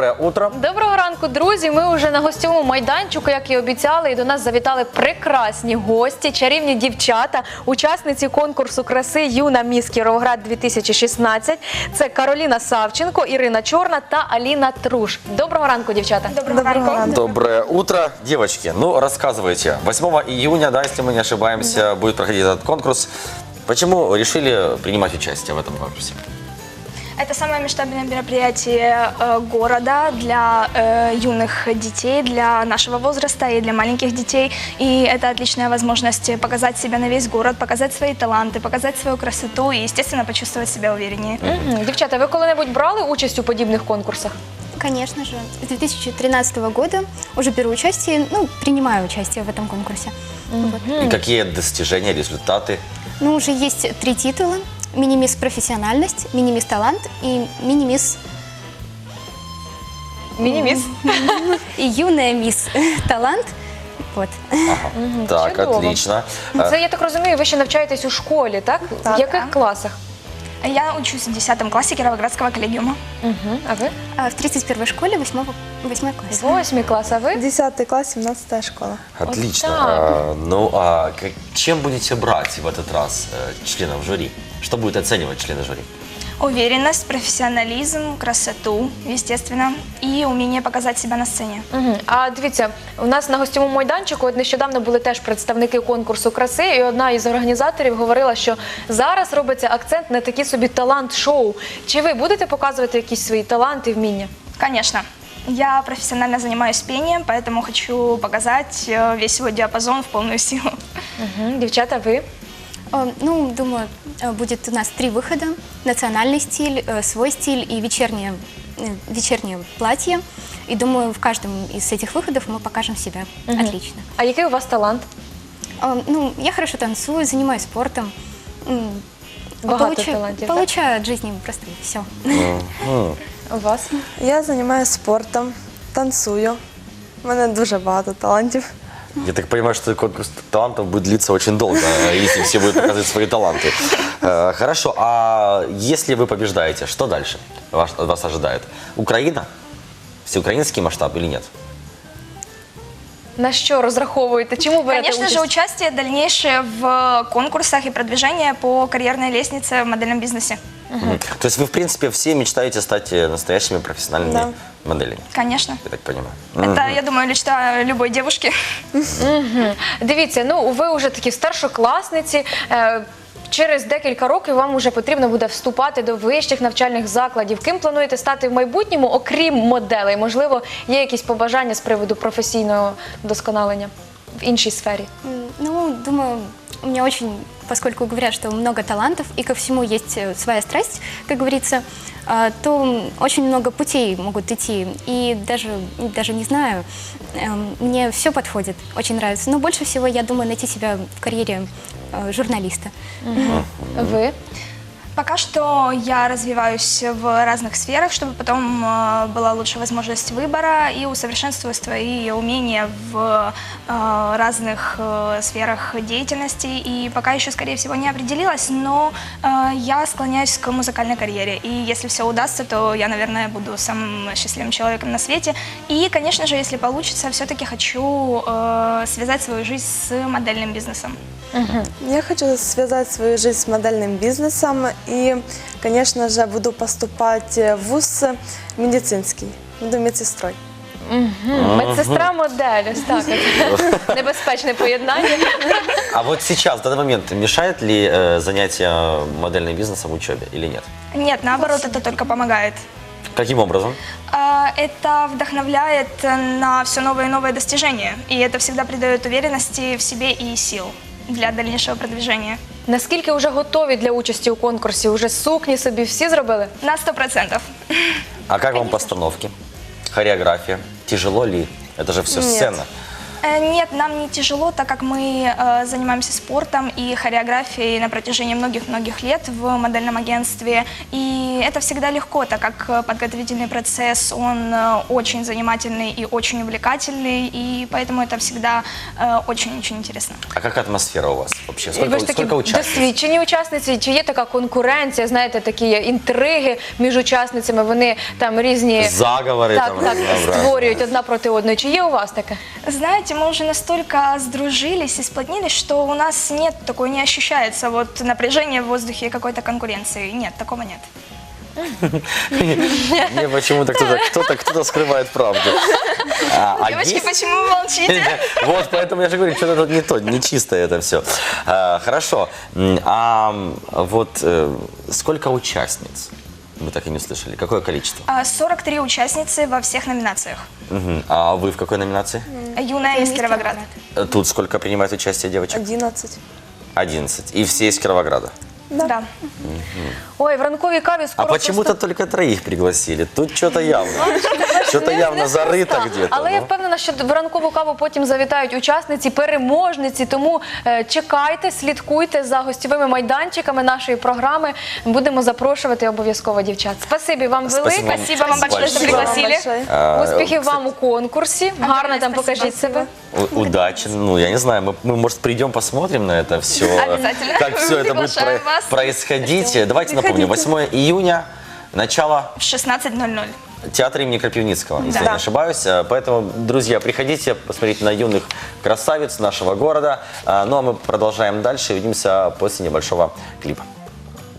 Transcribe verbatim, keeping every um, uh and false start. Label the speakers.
Speaker 1: Доброе утро.
Speaker 2: Доброго ранку, друзі. Ми вже на гостьовому майданчику, як і обіцяли, і до нас завітали прекрасні гості, чарівні дівчата, учасниці конкурсу краси «Юна міс Кіровоград дві тисячі шістнадцять». Це Кароліна Савченко, Ірина Чорна та Аліна Труш. Доброго ранку, дівчата.
Speaker 3: Доброго ранку.
Speaker 1: Доброе утро. Девочки, ну рассказывайте. восьмого июня, да, если мы не ошибаемся, да, будет проходить этот конкурс. Почему решили принимать участие в этом конкурсе?
Speaker 3: Это самое масштабное мероприятие э, города для э, юных детей, для нашего возраста и для маленьких детей. И это отличная возможность показать себя на весь город, показать свои таланты, показать свою красоту и, естественно, почувствовать себя увереннее.
Speaker 2: Угу. Дівчата, ви коли-небудь брали участь у подібних конкурсах?
Speaker 4: Конечно же. С две тысячи тринадцатого года уже беру участие, ну, принимаю участие в этом конкурсе. Вот.
Speaker 1: И какие достижения, результаты?
Speaker 4: Ну, уже есть три титула. Мини-мисс профессиональность, мини-мисс талант и мини-мисс...
Speaker 2: Міні-міс?
Speaker 4: И юная мисс талант. Вот.
Speaker 1: Ага. Так,
Speaker 2: чудово.
Speaker 1: отлично.
Speaker 2: Це, я так розумію, ви ще навчаєтесь у школі, так?
Speaker 3: Так.
Speaker 2: В яких
Speaker 3: Так.
Speaker 2: класах?
Speaker 3: Я учусь в десятом классе Кировоградского коллегиума.
Speaker 2: Угу. А ви?
Speaker 4: А в тридцать первой школе восьмого, восьмой класс.
Speaker 2: Восьмий клас, а ви?
Speaker 5: десятый класс, семнадцатая школа.
Speaker 1: Отлично.
Speaker 2: Вот так.
Speaker 1: А, ну, а как- чем будете брать в этот раз э, членов жюри? Что будет оценивать члены жюри?
Speaker 3: Уверенность, профессионализм, красоту, естественно, и умение показать себя на сцене.
Speaker 2: Угу. А дивіться, у нас на гостьовому майданчику от нещодавно були теж представники конкурсу краси, і одна із організаторів говорила, що зараз робиться акцент на такі собі талант-шоу. Чи ви будете показувати якісь свої таланти і вміння?
Speaker 3: Конечно. Я профессионально занимаюсь пением, поэтому хочу показать э, весь свой диапазон в полную силу.
Speaker 2: Угу. Дівчата, ви?
Speaker 4: Э, Ну, думаю, э, будет у нас три выхода. Национальный стиль, э, свой стиль и вечернее, э, вечернее платье. И думаю, в каждом из этих выходов мы покажем себя отлично.
Speaker 2: А який у вас талант?
Speaker 4: Э, Ну, я хорошо танцую, занимаюсь спортом. М,
Speaker 2: Багато
Speaker 4: получаю-
Speaker 2: талантів, так?
Speaker 4: Получаю от жизни просто все.
Speaker 2: У вас?
Speaker 5: Я займаюся спортом, танцюю. У мене дуже багато талантів.
Speaker 1: Я так понимаю, что конкурс талантов будет длиться очень долго, если все будут показывать свои таланты. Э, Хорошо, а если вы побеждаете, что дальше вас, вас ожидает? Украина? Всеукраинский масштаб или нет?
Speaker 2: На що розраховуєте? Чому берете
Speaker 3: Конечно
Speaker 2: участь?
Speaker 3: же, участие дальнейшее в конкурсах и продвижение по карьерной лестнице в модельном бизнесе.
Speaker 1: Мгм. То есть вы, в принципе, все мечтаете стать э, настоящими профессиональными
Speaker 5: Да.
Speaker 1: моделями,
Speaker 3: Конечно.
Speaker 1: я так понимаю.
Speaker 3: Это, я думаю, мечта любой девушки.
Speaker 2: Дивіться, ну ви вже такі старшокласниці. е, Через декілька років вам вже потрібно буде вступати до вищих навчальних закладів. Ким плануєте стати в майбутньому, окрім моделей? Можливо, є якісь побажання з приводу професійного вдосконалення в іншій сфері?
Speaker 4: М, Ну, думаю, у меня очень, поскольку говорят, что много талантов и ко всему есть э, своя страсть, как говорится, а, то м, очень много путей могут идти. И даже, даже не знаю, эм, мне все подходит, очень нравится. Но больше всего я думаю найти себя в карьере э, журналиста.
Speaker 2: Ви?
Speaker 3: Пока что я развиваюсь в разных сферах, чтобы потом э, была лучшая возможность выбора и усовершенствую свои умения в э, разных э, сферах деятельности. И пока еще, скорее всего, не определилась, но э, я склоняюсь к музыкальной карьере. И если все удастся, то я, наверное, буду самым счастливым человеком на свете. И, конечно же, если получится, все-таки хочу э, связать свою жизнь с модельным бизнесом.
Speaker 5: Я хочу связать свою жизнь с модельным бизнесом и, конечно же, буду поступать в вуз медицинский. Буду медсестрой.
Speaker 2: Медсестра модель, ось так. от. Небезпечне поєднання.
Speaker 1: А вот сейчас, в данный момент, мешает ли э, занятие модельным бизнесом учебе или нет?
Speaker 3: Нет, наоборот, это только помогает.
Speaker 1: Каким образом?
Speaker 3: А, Это вдохновляет на все новые и новые достижения. И это всегда придает уверенности в себе и сил для дальнейшего продвижения.
Speaker 2: Наскільки вже готові для участі у конкурсі? Уже сукні собі всі зробили?
Speaker 3: На сто процентов.
Speaker 1: А как вам постановки? Хореография? Тяжело ли? Это же все
Speaker 5: Нет.
Speaker 1: сцена.
Speaker 3: Э, Нет, нам не тяжело, так как мы э, занимаемся спортом и хореографией на протяжении многих-многих лет в модельном агентстве. И это всегда легко, так как э, подготовительный процесс, он э, очень занимательный и очень увлекательный, и поэтому это всегда э, очень-очень интересно.
Speaker 1: А какая атмосфера у вас вообще?
Speaker 2: І
Speaker 1: Сколько,
Speaker 2: ви ж такі
Speaker 1: сколько участниц?
Speaker 2: досвідчені учасниці, чи є така конкуренція, знаєте, такі є інтриги між учасницями, вони там різні
Speaker 1: Заговори
Speaker 2: так,
Speaker 1: там
Speaker 2: так,
Speaker 1: разнообразные.
Speaker 2: створюють одна проти одної. Чи є у вас таке?
Speaker 3: Знаете, мы уже настолько сдружились и сплотнились, что у нас нет, такое не ощущается вот напряжение в воздухе какой-то конкуренции. Нет, такого нет.
Speaker 1: Мне почему-то кто-то кто-то кто-то скрывает правду. А, а
Speaker 3: Девочки,
Speaker 1: есть-
Speaker 3: почему вы молчите?
Speaker 1: Вот, поэтому я же говорю, что-то тут не то, не чисто это все. Хорошо. М, А м, вот э, сколько участниц? Мы так и не услышали. Какое количество?
Speaker 3: А, сорок три участницы во всех номинациях.
Speaker 1: Мгм. А вы в какой номинации?
Speaker 3: Юная из Кировограда.
Speaker 1: Э, Тут сколько принимает участие девочек?
Speaker 5: одиннадцать.
Speaker 1: одиннадцать. И все из Кировограда.
Speaker 3: Да.
Speaker 2: Ой, в ранковій каві
Speaker 1: А
Speaker 2: скоро
Speaker 1: почему-то
Speaker 2: просто...
Speaker 1: только троих пригласили. Тут что-то явно. Что-то явно зарыто где-то.
Speaker 2: Але я
Speaker 1: ну.
Speaker 2: впевнена, що в ранкову каву потім завітають учасниці, переможниці. Тому е, чекайте, слідкуйте за гостьовими майданчиками нашої програми. Будемо запрошувати обов'язково дівчат. Спасибі вам
Speaker 1: Спасибо
Speaker 2: велике.
Speaker 1: вам.
Speaker 3: Спасибо вам большое, что
Speaker 1: Спасибо.
Speaker 3: пригласили.
Speaker 5: Большое.
Speaker 1: А,
Speaker 2: Успіхів
Speaker 1: кстати,
Speaker 2: вам у конкурсі. Гарно там
Speaker 3: спасибо.
Speaker 2: покажіть себе.
Speaker 1: У- Удачи. Ну, я не знаю, мы, мы, может, придем, посмотрим на это все.
Speaker 3: Обязательно.
Speaker 1: Как все это будет
Speaker 3: Приглашаем
Speaker 1: про-
Speaker 3: вас.
Speaker 1: происходить. Давайте напомню, восьмое июня, начало
Speaker 3: В шестнадцать ноль ноль.
Speaker 1: театра имени Крапивницкого, если
Speaker 3: Да.
Speaker 1: я не ошибаюсь. А, Поэтому, друзья, приходите посмотреть на юных красавиц нашего города. А, Ну, а мы продолжаем дальше. Увидимся после небольшого клипа.